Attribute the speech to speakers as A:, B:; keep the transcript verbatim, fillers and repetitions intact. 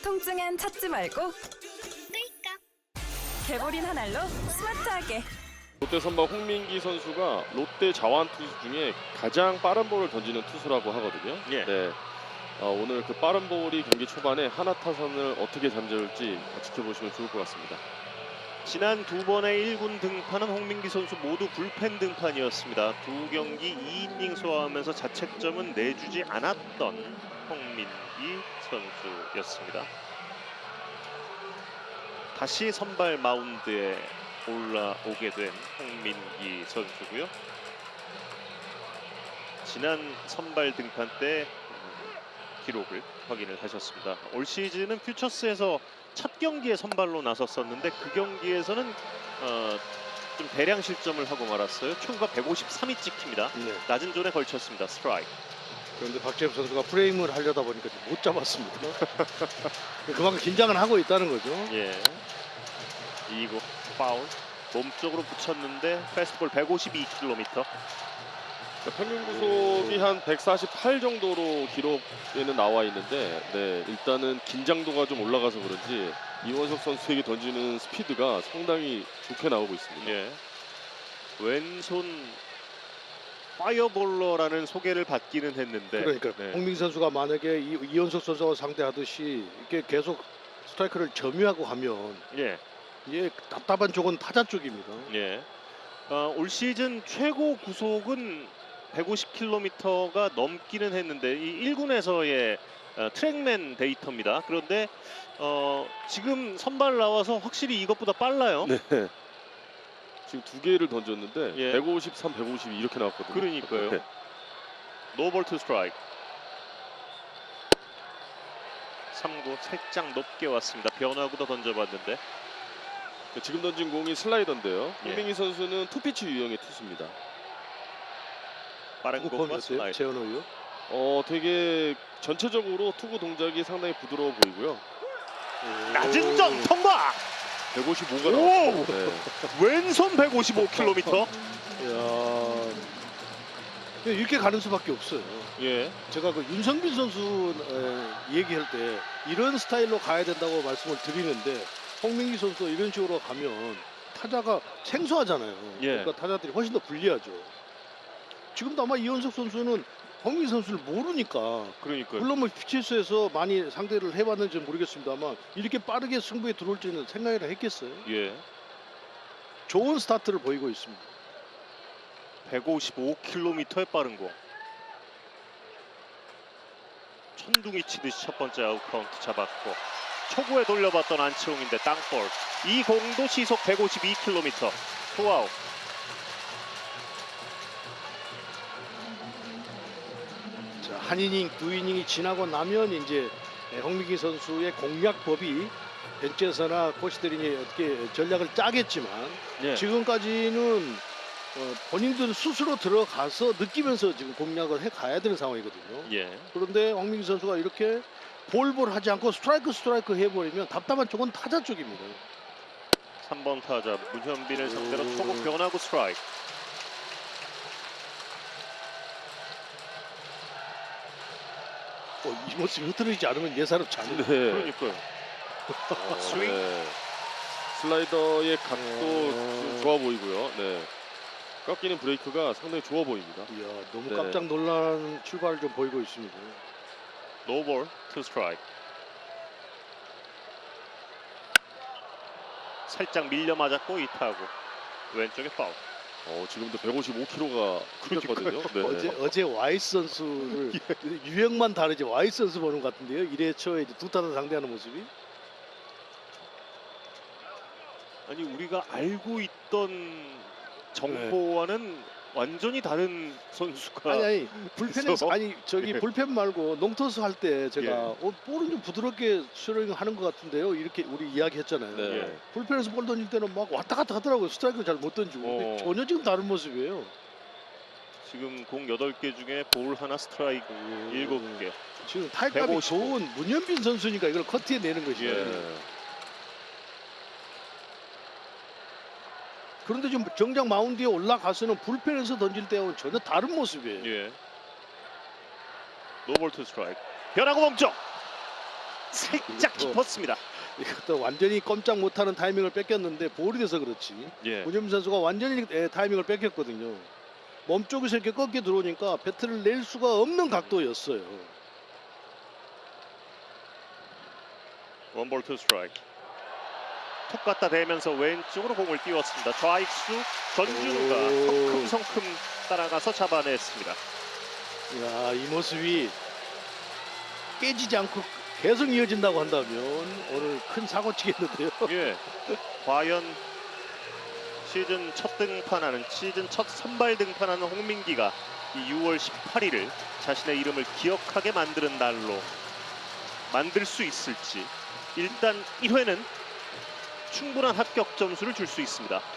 A: 통증엔 찾지 말고 개보린 한 알로 스마트하게.
B: 롯데 선발 홍민기 선수가 롯데 자완 투수 중에 가장 빠른 볼을 던지는 투수라고 하거든요.
C: 예.
B: 네. 어, 오늘 그 빠른 볼이 경기 초반에 하나 타선을 어떻게 잠재울지 지켜보시면 좋을 것 같습니다.
C: 지난 두 번의 일 군 등판은 홍민기 선수 모두 불펜 등판이었습니다. 두 경기 이 이닝 소화하면서 자책점은 내주지 않았던 홍민기 선수였습니다. 다시 선발 마운드에 올라오게 된 홍민기 선수고요. 지난 선발 등판 때 기록을 확인을 하셨습니다. 올 시즌은 퓨처스에서 첫 경기에 선발로 나섰었는데 그 경기에서는 어, 좀 대량 실점을 하고 말았어요. 초구가 백오십삼이 찍힙니다.
D: 네.
C: 낮은 존에 걸쳤습니다. 스트라이크.
D: 그런데 박재엽 선수가 프레임을 하려다 보니까 못 잡았습니다. 그만큼 긴장을 하고 있다는 거죠.
C: 예. 이 구 파울. 몸쪽으로 붙였는데 패스트볼 백오십이 킬로미터.
B: 평균 구속이 한 백사십팔 정도로 기록에는 나와 있는데, 네, 일단은 긴장도가 좀 올라가서 그런지 이원석 선수에게 던지는 스피드가 상당히 좋게 나오고 있습니다.
C: 예. 왼손 파이어볼러라는 소개를 받기는 했는데,
D: 그러니까
C: 네.
D: 홍민기 선수가 만약에 이, 이현석 선수와 상대하듯이 이렇게 계속 스트라이크를 점유하고 하면
C: 예.
D: 이게 답답한 쪽은 타자 쪽입니다.
C: 예. 어, 올 시즌 최고 구속은 백오십 킬로미터가 넘기는 했는데 이 일 군에서의 어, 트랙맨 데이터입니다. 그런데 어, 지금 선발 나와서 확실히 이것보다 빨라요.
B: 네. 지금 두 개를 던졌는데
C: 예.
B: 백오십삼, 백오십이 이렇게 나왔거든요.
C: 그러니까요.
B: 네.
C: 노볼 투 스트라이크. 삼 구 살짝 높게 왔습니다. 변화구도 던져봤는데
B: 지금 던진 공이 슬라이더인데요.
C: 예.
B: 홍민기 선수는 투피치 유형의 투수입니다.
C: 빠른
D: 누구
C: 공과
D: 폼이었어요?
C: 슬라이드.
D: 재현호요?
B: 어, 되게 전체적으로 투구 동작이 상당히 부드러워 보이고요.
C: 낮은 점 통과.
B: 백오십오가
C: 오!
B: 나왔어요. 네.
C: 왼손 백오십오 킬로미터.
D: 이야, 이렇게 가는 수밖에 없어요.
C: 예.
D: 제가 그 윤성빈 선수 에, 얘기할 때 이런 스타일로 가야 된다고 말씀을 드리는데 홍민기 선수 이런 식으로 가면 타자가 생소하잖아요.
C: 예.
D: 그러니까 타자들이 훨씬 더 불리하죠. 지금도 아마 이현석 선수는 홍민기 선수를 모르니까
C: 그러니까요.
D: 물론 뭐 피치에스에서 많이 상대를 해봤는지 모르겠습니다만 이렇게 빠르게 승부에 들어올지는 생각이나 했겠어요.
C: 예.
D: 좋은 스타트를 보이고 있습니다.
C: 백오십오 킬로미터의 빠른 공. 천둥이 치듯이 첫 번째 아웃 카운트 잡았고 초구에 돌려봤던 안치홍인데 땅볼. 이 공도 시속 백오십이 킬로미터. 투아웃.
D: 자, 한 이닝, 두 이닝이 지나고 나면 이제 홍민기 선수의 공략법이 벤치에서나 코치들이 어떻게 전략을 짜겠지만
C: 예.
D: 지금까지는 어, 본인들 스스로 들어가서 느끼면서 지금 공략을 해 가야 되는 상황이거든요.
C: 예.
D: 그런데 홍민기 선수가 이렇게 볼볼 하지 않고 스트라이크 스트라이크 해버리면 답답한 쪽은 타자 쪽입니다.
C: 삼 번 타자 문현빈을 상대로
D: 오.
C: 초구 변화구 스트라이크.
D: 어, 이 모습이 흐트러지지 않으면 예사롭 지 않은
B: 네.
C: 그러니까요.
B: 어,
C: 스윙.
B: 네. 슬라이더의 각도
D: 어.
B: 좀 좋아 보이고요. 네. 꺾이는 브레이크가 상당히 좋아 보입니다.
D: 이야, 너무
B: 네.
D: 깜짝 놀란 출발을 좀 보이고 있습니다.
C: 노볼 투 스트라이크. 살짝 밀려 맞았고 이 타구. 왼쪽에 파울.
B: 어, 지금도 백오십오 킬로미터가 끊겼거든요. 네.
D: 어제 어제 와이스 선수를 유형만 다르지 와이스 선수 보는 것 같은데요. 일 회 초에 이제 두 타자 상대하는 모습이.
C: 아니 우리가 알고 있던 정보와는 완전히 다른 선수가
D: 아니 아니 불펜에서
C: 있어?
D: 아니 저기
C: 예.
D: 불펜 말고 농토스 할 때 제가
C: 예.
D: 어, 볼은 좀 부드럽게 스윙하는 것 같은데요. 이렇게 우리 이야기했잖아요.
B: 네.
C: 예.
D: 불펜에서 볼 던질 때는 막 왔다 갔다 하더라고요. 스트라이크 잘 못 던지고. 근데
C: 어.
D: 전혀 지금 다른 모습이에요.
C: 지금 공 여덟 개 중에 볼 하나 스트라이크 일곱 개.
D: 지금 타격감이
C: 백오십오.
D: 좋은 문현빈 선수니까 이걸 커트해 내는 것이죠.
B: 예.
D: 그런데 지금 정작 마운드에 올라가서는 불펜에서 던질 때와는 전혀 다른 모습이에요.
C: 예. 노볼 투 스트라이크. 변화구 멈춰. 살짝
D: 이거-
C: 깊었습니다.
D: 이것도 완전히 꼼짝 못하는 타이밍을 뺏겼는데 볼이 돼서 그렇지.
C: 예.
D: 문현민 선수가 완전히 예, 타이밍을 뺏겼거든요. 몸쪽에서 이렇게 꺾여 들어오니까 배트를 낼 수가 없는 각도였어요.
C: 원볼 투 스트라이크. 톡 갖다 대면서 왼쪽으로 공을 띄웠습니다. 좌익수 전준우가
D: 오.
C: 성큼성큼 따라가서 잡아냈습니다.
D: 야, 이 모습이 깨지지 않고 계속 이어진다고 한다면 오늘 큰 사고 치겠는데요.
C: 예. 과연 시즌 첫 등판하는 시즌 첫 선발 등판하는 홍민기가 이 유월 십팔일을 자신의 이름을 기억하게 만드는 날로 만들 수 있을지. 일단 일 회는 충분한 합격 점수를 줄 수 있습니다.